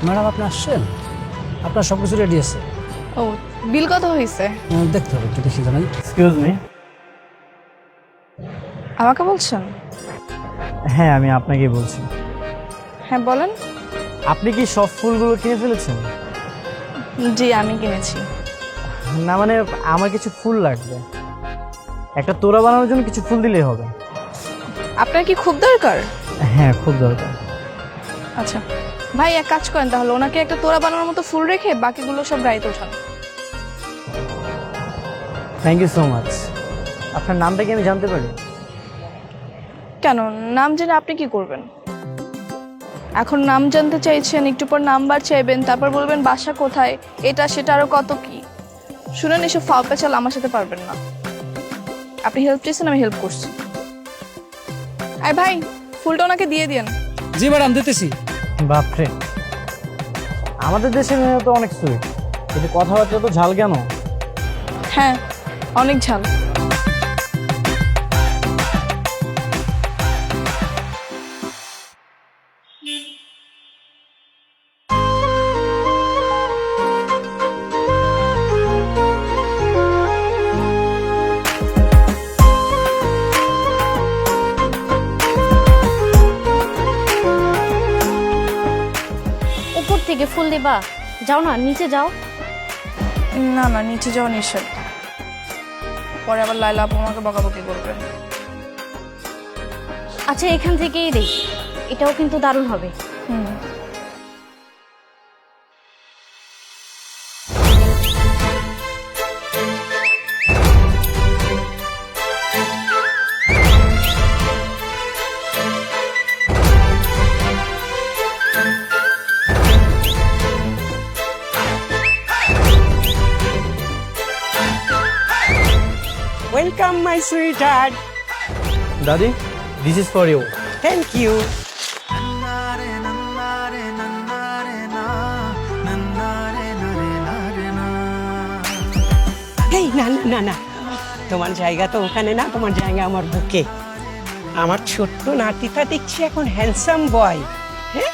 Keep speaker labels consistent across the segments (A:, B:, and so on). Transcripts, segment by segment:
A: Madam আপনি আসছেন? আপনার সব কিছু রেডি আছে?
B: ও, বিল কত হয়েছে?
A: দেখতে হবে, একটু দেখি জানাই।
C: Excuse me.
B: আমাকে বলছেন?
C: হ্যাঁ, আমি আপনাকেই বলছি।
B: হ্যাঁ বলেন।
C: আপনি কি সব ফুলগুলো কিনে ফেলেছেন?
B: জি আমি কিনেছি।
C: না মানে আমার কিছু ফুল লাগবে, একটা তোড়া বানানোর জন্য কিছু ফুল দিলেই হবে।
B: আপনার কি খুব দরকার?
C: হ্যাঁ, খুব দরকার।
B: আচ্ছা ভাই, এক কাজ করেন তাহলে, ওনাকে একটা তোড়া বানানোর মতো ফুল রেখে বাকিগুলো সব গাড়িতে ওঠান।
C: Thank you so much. আপনার নামটা কি আমি জানতে পারি?
B: কেন, নাম জেনে আপনি কি করবেন? এখন নাম জানতে চাইছেন, একটু পর নাম্বার চাইবেন, তারপর বলবেন বাসা কোথায়, এটা সেটা আরো কত কি। শুনেন, এসব ফাও পেঁচাল আমার সাথে পারবেন না। আপনি হেল্প চেয়েছেন, আমি হেল্প করছি। আয় ভাই, ফুলটা ওনাকে দিয়ে দিন।
A: জি ম্যাডাম, দিতেছি।
C: বাপরে, আমাদের দেশের মেয়ে তো অনেক সুইট, কিন্তু কথাবার্তা তো ঝাল কেন?
B: হ্যাঁ, অনেক ঝাল।
D: উপর থেকে ফুল দিবা? যাও না, নিচে যাও।
B: না না, নিচে যাওয়া নিষেধ। পরে আবার লাইলা আপু আমাকে বকাবকি করবে।
D: আচ্ছা, এখান থেকেই দেই, এটাও কিন্তু দারুণ হবে।
B: হুম।
E: Welcome, my sweetheart.
C: দাদি, this is for you.
E: Thank you. এই না না না না, তোমার জায়গা তো ওখানে না, তোমার জায়গা আমার বুকে। আমার ছোট্ট নাতিটা দেখছি এখন হ্যান্ডসাম বয়। হ্যাঁ,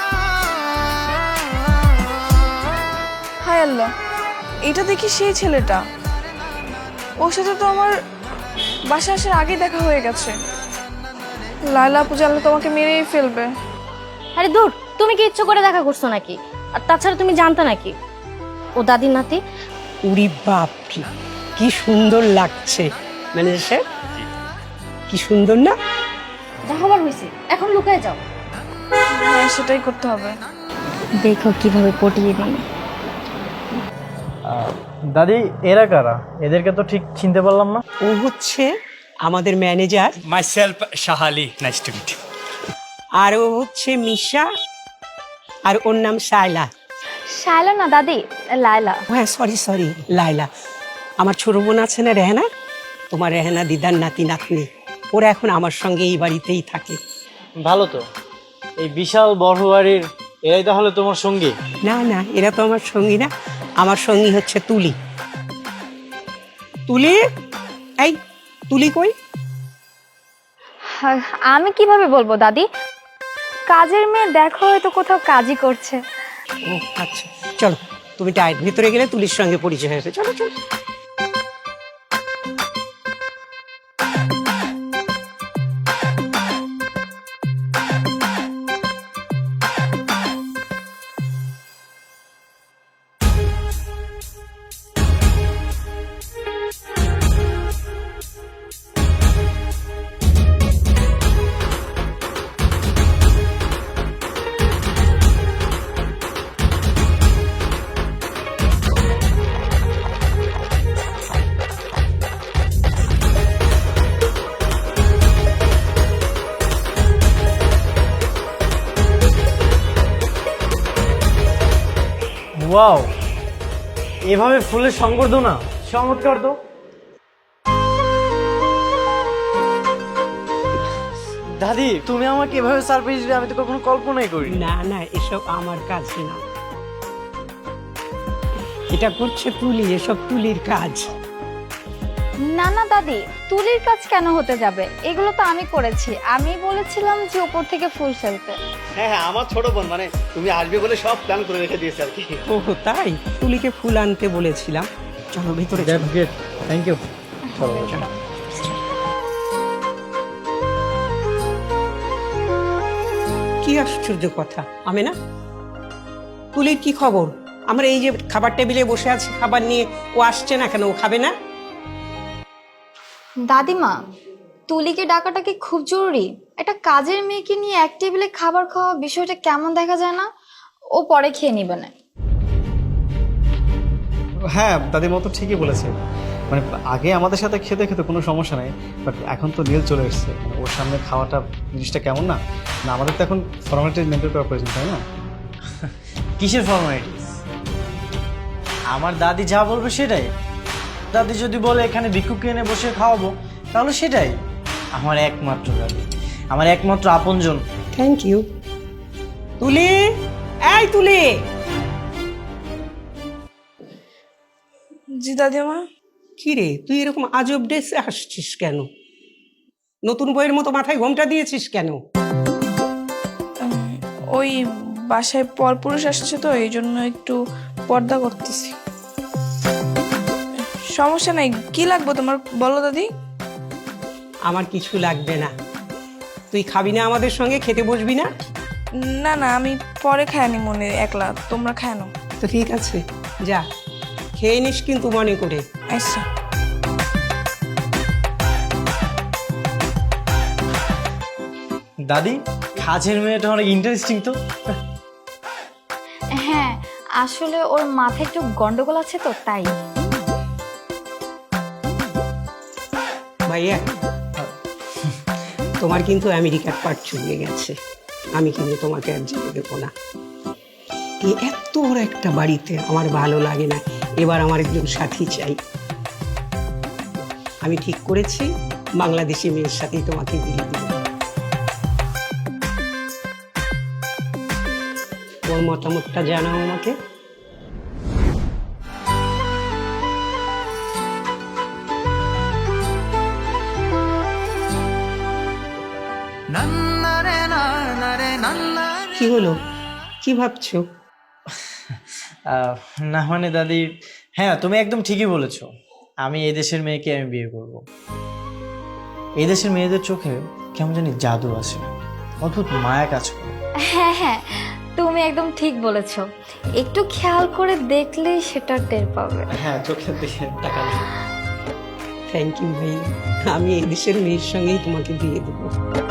B: হায় আল্লাহ, এটা দেখি সেই ছেলেটা। ওর সাথে তো আমার বাসা আসার আগে দেখা হয়ে গেছে। লাইলা আপু জানলে তোমাকে মেরেই ফেলবে।
D: আরে দূর, তুমি কি ইচ্ছে করে দেখা করছো নাকি? আর তাছাড়া তুমি জানতা নাকি ও দাদির নাতি?
E: উড়ি বাপরে, কি সুন্দর লাগছে। ম্যানেজার সাহেব, কি সুন্দর না?
D: যা হবার হয়েছে, এখন লুকায় যাও।
B: হ্যাঁ, সেটাই করতে হবে।
D: দেখো কিভাবে পটিয়ে দিই।
C: দাদি, এরা কারা? এদেরকে তো ঠিক চিনতে পারলাম না।
E: ও হচ্ছে আমাদের manager,
F: Myself, Shahali. Nice to meet you.
E: আর ও হচ্ছে মিশা, আর ওর নাম সাইলা।
D: শায়লা না দাদি, লায়লা।
E: হ্যাঁ, সরি সরি, লাইলা। আমার ছোট বোন আছে না রেহানা, তোমার রেহানা দিদার নাতি নাতনি, ওরা এখন আমার সঙ্গে এই বাড়িতেই থাকে।
C: ভালো তো, এই বিশাল বড় বাড়ির এরাই তাহলে তোমার সঙ্গী?
E: না না, এরা তো আমার সঙ্গী না, আমার সঙ্গী হচ্ছে তুলি। তুলি, এই তুলি কই?
D: আমি কিভাবে বলবো দাদি, কাজের মেয়ে দেখো হয়তো কোথাও কাজই করছে।
E: ও আচ্ছা, চলো তুমি ডায়ের ভিতরে গেলে তুলির সঙ্গে পরিচয় হয়েছে, চলো চলো।
C: ওয়াও, এভাবে ফুলের সংবর্ধনা চমৎকার তো। দাদি, তুমি আমাকে এভাবে সারপ্রাইজ দিবে আমি তো কখনো কল্পনাই করি।
E: না না, এসব আমার কাজ না, এটা করছে তুলি, এসব তুলির কাজ।
G: না না দাদি, তুলির কাজ কেন হতে যাবে? এগুলো তো আমি করেছি। আমি বলেছিলাম যে উপর থেকে ফুল ফেলতে।
H: হ্যাঁ হ্যাঁ, আমার ছোট বোন, মানে তুমি আসবে বলে সব প্ল্যান করে রেখে দিয়েছে আর কি।
E: ও তাই, তুলিকে ফুল আনতে বলেছিলাম। চলো ভিতরে চলো।
C: That's great, thank you.
E: কি আশ্চর্য কথা, আমি না তুলির কি খবর? আমরা এই যে খাবার টেবিলে বসে আছি খাবার নিয়ে, ও আসছে না কেন? ও খাবে না?
G: দাদিমা, তুলিকে ডাকাটা কি খুব জরুরি? একটা কাজের মেয়েকে নিয়ে এক টেবিলে খাবার খাওয়া বিষয়টা কেমন দেখা যায় না? ও পরে খেয়ে নিবে না।
H: হ্যাঁ, দাদিমা তো ঠিকই বলেছে। মানে আগে আমাদের সাথে খেতে খেতে কোনো সমস্যা নাই, বাট এখন তো নীল চলে এসছে, মানে ওর সামনে খাওয়াটা জিনিসটা কেমন না? না, আমাদের তো এখন ফর্মালিটি মেনটেন করা প্রয়োজন, তাই না?
C: কিসের ফর্মালিটিস? আমার দাদি যা বলবে সেটাই। দাদি যদি বলে এখানে ভিক্ষুককে এনে বসে খাওয়াবো, তাহলে সেটাই। আমার একমাত্র দাদি, আমার একমাত্র আপনজন।
E: Thank you. তুলি, এই তুলি।
B: জি দাদিমা।
E: কি রে, তুই এরকম আজব ড্রেসে আসছিস কেন? নতুন বইয়ের মতো মাথায় ঘোমটা দিয়েছিস কেন?
B: ওই বাসায় পরপুরুষ আসছে তো, এই জন্য একটু পর্দা করতেছি। সমস্যা নাই, কি লাগবে তোমার বলো দাদি।
E: আমার কিছু লাগবে না। তুই খাবি না আমাদের সঙ্গে? খেতে বসবি না?
B: না না, আমি পরে খায়নি মনে একলা, তোমরা খায় নাও।
E: তো ঠিক আছে, যা খেয়ে নিস কিন্তু মনে করে।
B: আচ্ছা।
C: দাদি, কাজের মেয়েটা অনেক ইন্টারেস্টিং তো।
G: হ্যাঁ, আসলে ওর মাথায় একটু গন্ডগোল আছে তো, তাই।
E: ভাইয়া, তোমার কিন্তু আমেরিকার পাট চলে গেছে। আমি কিন্তু তোমাকে আর যেতে দেবো না। এই এত বড় একটা বাড়িতে আমার ভালো লাগে না। এবার আমার একজন সাথী চাই। আমি ঠিক করেছি বাংলাদেশি মেয়ের সাথেই তোমাকে বিয়ে দেব। ওর মতামতটা জানাও আমাকে। কি হলো, কি ভাবছো?
C: না মানে দাদি, হ্যাঁ তুমি একদম ঠিকই বলেছো। আমি এই দেশের মেয়েকে আমি বিয়ে করব। এই দেশের মেয়েদের চোখে কেমন জানি জাদু আছে, অদ্ভুত মায়া কাজ করে।
G: হ্যাঁ হ্যাঁ, তুমি একদম ঠিক বলেছো। একটু খেয়াল করে দেখলেই সেটা টের পাবে।
C: হ্যাঁ, চোখের দিকে তাকালে।
E: থ্যাংক ইউ ভাই, আমি এই দেশের মেয়ের সঙ্গেই তোমাকে বিয়ে দেবো।